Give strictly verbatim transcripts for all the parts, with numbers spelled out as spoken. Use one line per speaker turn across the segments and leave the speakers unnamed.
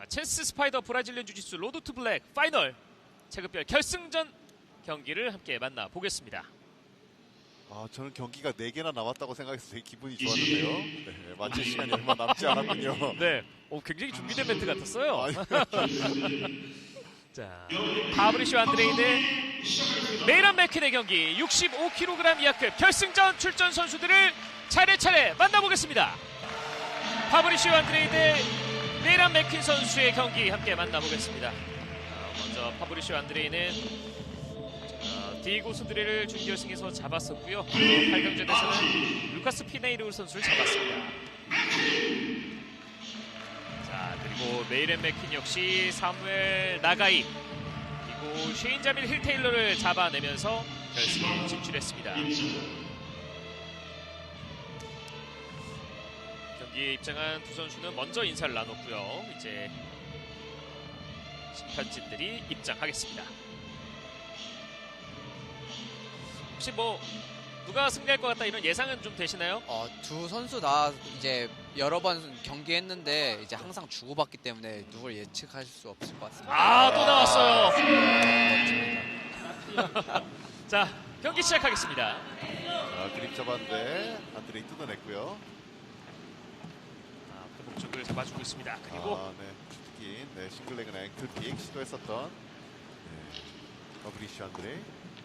아, 체스 스파이더 브라질리언 주짓수 로드 투 블랙 파이널 체급별 결승전 경기를 함께 만나보겠습니다.
아, 저는 경기가 네 개나 남았다고 생각해서 되게 기분이 좋았는데요. 네, 마칠 시간이 얼마 남지 않았군요.
네, 오, 굉장히 준비된 멘트 같았어요.
아니,
자, 파브리쇼 안드레이 대 메이란 맥퀸의 경기 육십오 킬로그램 이하급 결승전 출전 선수들을 차례차례 만나보겠습니다. 파브리쇼 안드레이 대 메이란 맥퀸 선수의 경기 함께 만나보겠습니다. 어, 먼저 파브리쇼 안드레이는 어, 디에고 수드레를 준결승에서 잡았었고요. 팔 강전에서는 루카스 피네이르 선수를 잡았습니다. 자, 그리고 메이란 맥퀸 역시 사무엘 나가이 그리고 쉐인 자밀 힐 테일러를 잡아내면서 결승에 진출했습니다. 경기에 입장한 두 선수는 먼저 인사를 나눴고요. 이제 심판진들이 입장하겠습니다. 혹시 뭐 누가 승리할 것 같다 이런 예상은 좀 되시나요?
어, 두 선수 다 이제 여러 번 경기했는데 이제 항상 주고받기 때문에 누굴 예측할 수 없을 것 같습니다.
아, 또 나왔어요.
멋집니다.
자, 경기 시작하겠습니다.
자, 그립 잡았는데 안드레이 뜯어냈고요.
아, 그 목적을 잡아주고 있습니다. 그리고
아, 네, 주특기, 네, 싱글레그나 앵클픽 시도했었던 네, 파브리쇼 안드레이.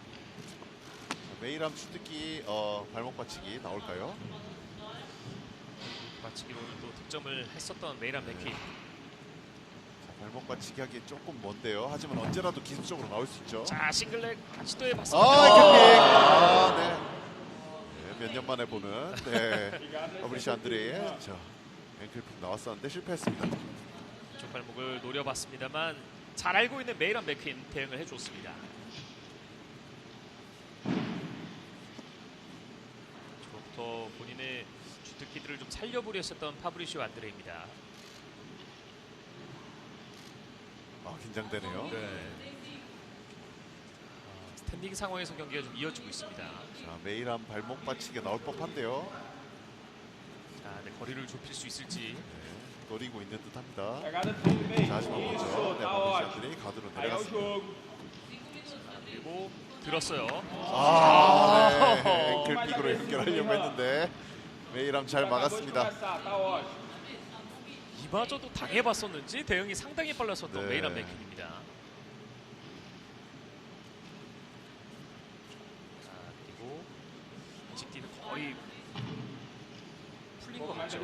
메이람 주특기 어, 발목 받치기 나올까요?
마치기로 또 득점을 했었던 메이란 맥퀸.
자, 발목 받치기 하기에 조금 먼데요. 하지만 언제라도 기술적으로 나올 수 있죠.
자, 싱글렉
아,
시도해봤습니다.
앵클픽! 아, 네. 네, 몇 년 만에 보는 네, 파브리쇼 안드레이. 자, 앵클픽 나왔었는데 실패했습니다.
쪽 발목을 노려봤습니다만 잘 알고 있는 메이란 맥퀸 대응을 해줬습니다. 저부터 본인의 주특기들을 좀 살려보려 했었던 파브리쇼 안드레입니다.
아, 긴장되네요.
네. 아, 스탠딩 상황에서 경기가 좀 이어지고 있습니다.
자, 메이람 발목 받치기 나올 법한데요.
자, 네, 거리를 좁힐 수 있을지.
네, 노리고 있는 듯합니다. 자, 하지만 먼저 네, 파브리쇼 안드레이 가드로 내려갔습니다.
자, 그리고 들었어요.
아, 네. 앵클픽으로 연결하려고 했는데 메이람 잘 막았습니다.
이마저도 당해봤었는지 대응이 상당히 빨랐었던
네.
메이란 맥퀸입니다. 자, 그리고 직디는 거의 풀린 것 같죠.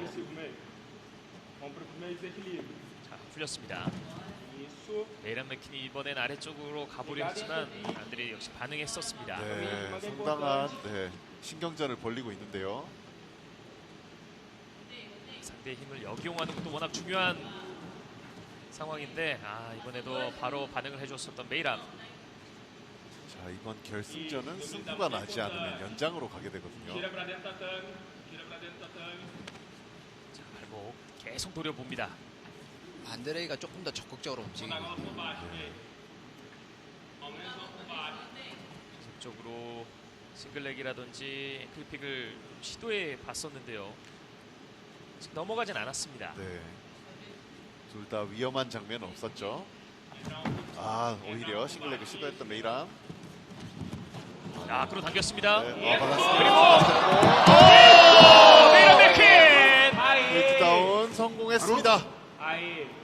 자, 풀렸습니다. 메이란 맥퀸이 이번엔 아래쪽으로 가보려 했지만 안드레이 역시 반응했었습니다.
네, 상당한 네, 신경전을 벌리고 있는데요.
상대의 힘을 역이용하는 것도 워낙 중요한 상황인데 아, 이번에도 바로 반응을 해줬었던 메이람.
자, 이번 결승전은 승부가 나지 않으면 연장으로 가게 되거든요.
자, 발목 계속 노려봅니다.
안드레이가 조금 더 적극적으로 움직이고
네.
계속적으로 싱글렉이라든지 앵클픽을 시도해 봤었는데요. 지금 넘어가진 않았습니다.
네. 둘 다 위험한 장면은 없었죠. 아, 오히려 싱글레그 시도했던 메이람.
자, 끌어당겼습니다.
네, 아, 받았습니다.
그리고 메이란 맥퀸!
테이크다운 성공했습니다.
자,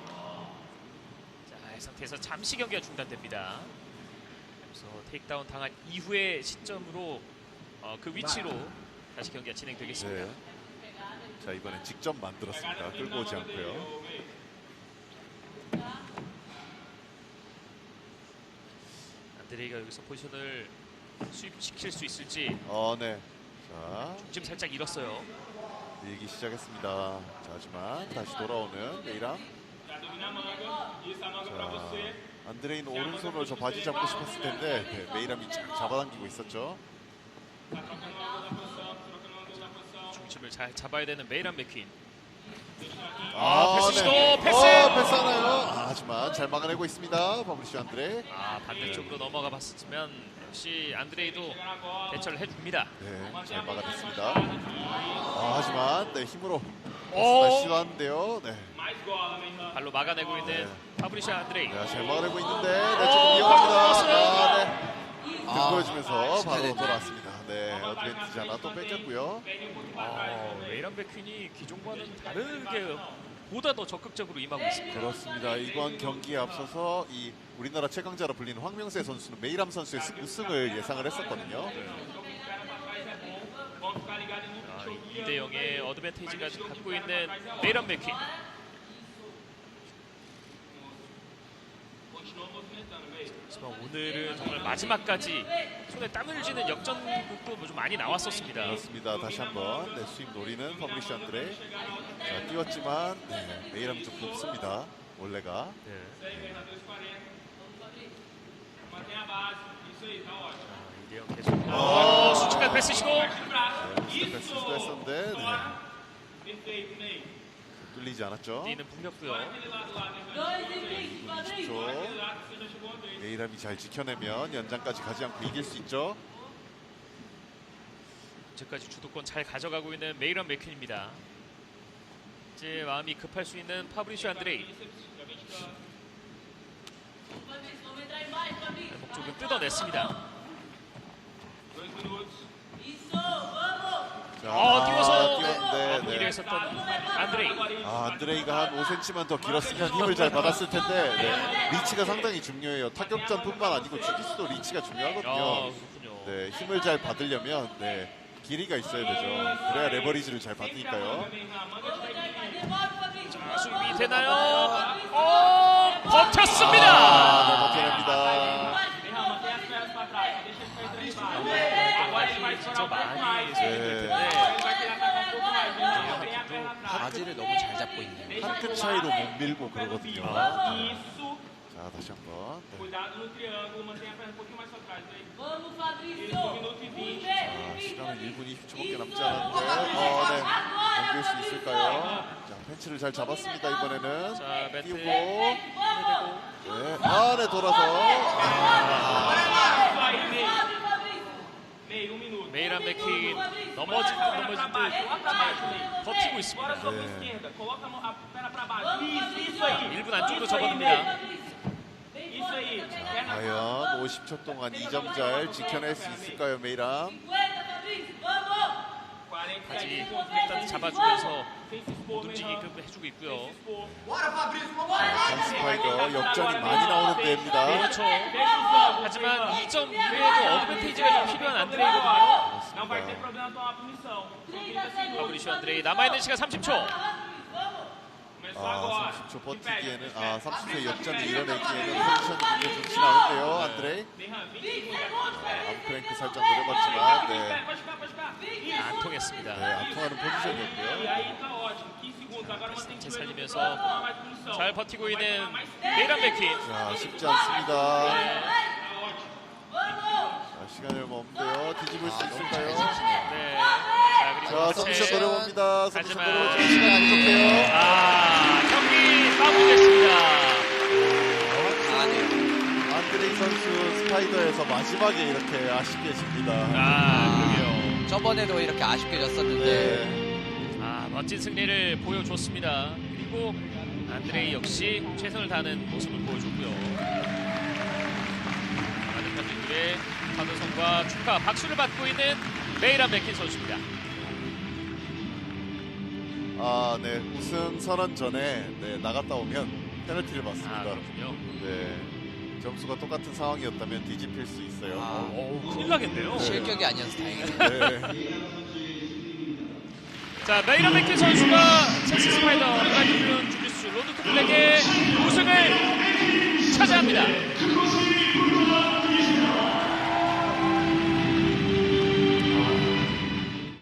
이 상태에서 잠시 경기가 중단됩니다. 그래서 테이크다운 당한 이후의 시점으로 어, 그 위치로 다시 경기가 진행되겠습니다.
네. 자, 이번엔 직접 만들었습니다. 끌고 오지 않고요.
안드레이가 여기서 포지션을 수입시킬 수 있을지.
어, 네. 자,
지금 살짝 잃었어요.
밀기 시작했습니다. 자, 하지만 다시 돌아오는 메이람. 자, 안드레이는 오른손으로 저 바지 잡고 싶었을 텐데 네, 메이람이 잘 잡아당기고 있었죠.
중심을 잘 잡아야 되는 메이란 맥퀸.
아,
패스 시도, 패스!
어, 패스하나요? 아, 하지만 잘 막아내고 있습니다. 파브리쇼 안드레.
아, 반대쪽으로 넘어가 봤었지만 역시 안드레이도 대처를 해줍니다.
네, 잘 막아냈습니다. 아, 하지만 네, 힘으로
오!
다시 시도하는데요. 네.
발로 막아내고 있는 파브리시아 안드레이.
네, 잘 막아내고 있는데 네,
어,
조금 위험합니다.
들어갔어요.
아, 네. 등
아,
보여주면서 바로
축하드립니다.
돌아왔습니다. 네, 어드밴티지 하나 또 뺏겼고요.
어, 메이란 백퀸이 기존과는 다르게 보다 더 적극적으로 임하고 있습니다.
그렇습니다. 이번 경기에 앞서서 이 우리나라 최강자로 불리는 황명세 선수는 메이람 선수의 스- 우승을 예상을 했었거든요.
아, 이 대 영의 어드밴티지까지 갖고 있는 메이란 백퀸. 하지만 오늘은 정말 마지막까지 손에 땀을 쥐는 역전극도 좀 많이 나왔었습니다.
그렇습니다. 다시 한번 네, 수입 노리는 파브리시아 안드레이. 자, 뛰었지만 네, 메이람 좀 높습니다. 원래가.
네. 이 대 영 계속. 어, 수축한 패스 시도.
네, 패스 시도했었는데 네. 뚫리지 않았죠.
뛰는 풍겼고요.
이십 초. 메이람이 잘 지켜내면 연장까지 가지 않고 이길 수 있죠.
현재까지 주도권 잘 가져가고 있는 메이란 맥퀸입니다. 이제 마음이 급할 수 있는 파브리시오 안드레이. 목 조금 뜯어냈습니다.
자,
어, 뛰어서
뛰었는데
마무리를
네.
했었던 안드레이.
아, 안드레이가 한 오 센티미터만 더 길었으면 힘을 잘 받았을 텐데 네. 리치가 상당히 중요해요. 타격전뿐만 아니고 주짓수도 리치가 중요하거든요.
아, 그렇군요.
네, 힘을 잘 받으려면 네, 길이가 있어야 되죠. 그래야 레버리지를 잘 받으니까요.
자, 수입이 되나요? 어, 버텼습니다.
아, 네, 버텨냅니다.
진짜 많이
네.
소용될 텐데.
바지를 너무 잘 잡고 있네요.
한 끗 차이로 못 밀고 그러거든요. 네. 자, 다시 한번. 네.
Cuidado no triângulo, mantenha a perna um pouquinho mais pra trás aí.
Vamos,
Isso, um
Fabrício!
minuto e vinte.
자, 시간은 일 분 이십 초밖에 남지 않았는데 어, 네. 넘길 수 있을까요? 자, 팬츠를 잘 잡았습니다. 이번에는
자, 매트
띄우고
해대고.
네. 아, 네, 돌아서 아,
Isso aí, meio. Meio, um minuto.
메이란 맥퀸 넘어질 듯 넘어질
Pra baixo,
듯
coloca pra baixo, meio.
버티고 있습니다.
Agora soco
É.
esquerda. Coloca a, mão, a perna pra baixo. Isso, isso aí.
일 분 안쪽으로
Isso aí,
접어듭니다.
meio. Isso aí. Perna
과연 오십 초 동안 이 점 잘 지켜낼 수 있을까요, 메이람?
cinquenta, Fabrício! Vamos!
quarenta
바지
e
일단 잡아주면서
Sem se expor,
못
meio.
움직이게끔 해주고 있고요.
Expor.
전 스파이더 역전이 많이 나오는 데입니다.
그렇죠.
Fecha os ombros.
하지만 이 점 이외에도 어드밴티지가 좀 필요한 안드레이거든요.
Não vai ter problema tomar punição. São trinta segundos.
파브리시오 안드레이 남아있는 시간 삼십 초.
Começou
아,
agora.
삼십 초
De pé,
버티기에는
de pé.
아, 삼십 초의 역전을 이뤄내기에는 컨디션이 굉장히 좋진 않은데요, 안드레이.
Berran, vinte segundos. Espera.
암크랭크 살짝 노려봤지만 네,
Pode ficar, pode ficar.
안 통했습니다.
네, 안 통하는
E
포지션이었고요.
aí tá ótimo. quinze segundos. Agora mantém
제
o joelho
살리면서
no chão, tomar mais punição.
잘 버티고
Vai
있는
tomar mais tempo.
메이란 맥퀸.
자, 쉽지 않습니다.
Tá ótimo.
자, 시간이 얼마 없는데요. 뒤집을 수
아, 너무 잘
있을까요?
지키네요.
네. 자, 그리고
자, 서비스
하체.
노려봅니다. 서비스
하지만-
노려보죠. 시간이 부족해요.
아, 경기 마무리됐습니다.
강하네요.
안드레이 선수 스파이더에서 마지막에 이렇게 아쉽게 집니다.
아, 그러게요.
저번에도 이렇게 아쉽게 졌었는데
네.
아, 멋진 승리를 보여줬습니다. 그리고 안드레이 역시 최선을 다하는 모습을 보여줬고요. 많은 팬들의 환호성과 축하, 박수를 받고 있는 메이란 맥퀸 선수입니다.
아, 네. 우승 선언 전에 네, 나갔다 오면 페널티를
아,
받습니다.
그렇군요.
네. 점수가 똑같은 상황이었다면 뒤집힐 수 있어요.
아.
오, 큰일 나겠네요.
실격이 아니어서 다행이네요.
네.
자, 메이란 맥퀸 선수가 첼시 스파이더 블라디미르 주짓수 로드 투 블랙의 우승을 차지합니다.